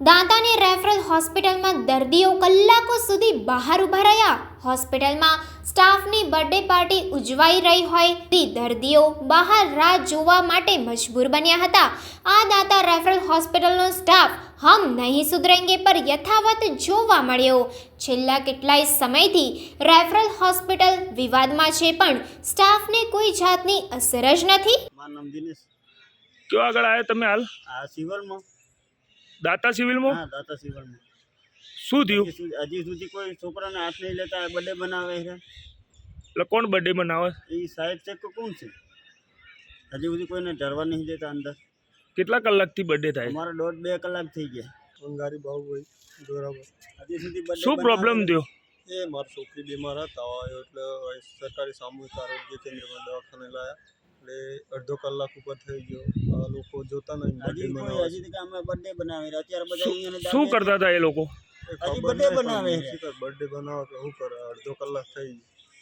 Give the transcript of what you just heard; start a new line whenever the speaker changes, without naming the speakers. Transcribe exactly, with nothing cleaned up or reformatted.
દાંતાની referral હોસ્પિટલમાં દર્દીઓ કલાકો સુધી બહાર ઊભા રહ્યા. હોસ્પિટલમાં સ્ટાફની બર્થડે પાર્ટી ઉજવાઈ રહી હોય તે દર્દીઓ બહાર રાહ જોવા માટે મજબૂર બન્યા હતા. આ દાંતા રેફરલ હોસ્પિટલનો સ્ટાફ હમ નહીં સુધરેંગે પર યથાવત જોવા મળ્યો. છેલ્લા કેટલાય સમયથી રેફરલ હોસ્પિટલ વિવાદમાં છે, પણ સ્ટાફને કોઈ જાતની અસર જ નથી.
મારું નામ દિનેશ.
ક્યાં આગળ આવ્યા તમે હાલ?
આ સિવિલમાં.
દાતા સિવિલમાં?
હા, દાતા સિવિલમાં.
શું થયું?
હજી સુધી હજી સુધી કોઈ છોકરાને હાથ નહીં લેતા બર્થડે બનાવે છે.
એટલે કોણ બર્થડે બનાવે?
એ સાહેબ છે કે કોણ છે? હજી સુધી કોઈને ડરવા નહીં દેતા અંદર.
કેટલા કલાકથી બર્થડે થાય?
અમારા દોઢ બે કલાક થઈ ગયા. અંગારી બાહુ ભાઈ બરાબર. હજી સુધી birthday
શું પ્રોબ્લેમ થયો?
એ મારી છોકરી બીમાર હતા એટલે સરકારી સામૂહિક આરોગ્ય કેન્દ્રમાં દવાખાને લાયા એટલે અડધો કલાક ઉપર થઈ ગયો. આ લોકો જોતા નહીં.
હજી કોઈ હજી સુધી અમે બર્થડે બનાવે છે. અત્યારે બધા અહીંયા
શું કરતા હતા એ લોકો?
હજી birthday બનાવે છે.
બર્થડે બનાવો કે શું કરે? અડધો કલાક થઈ ગયો.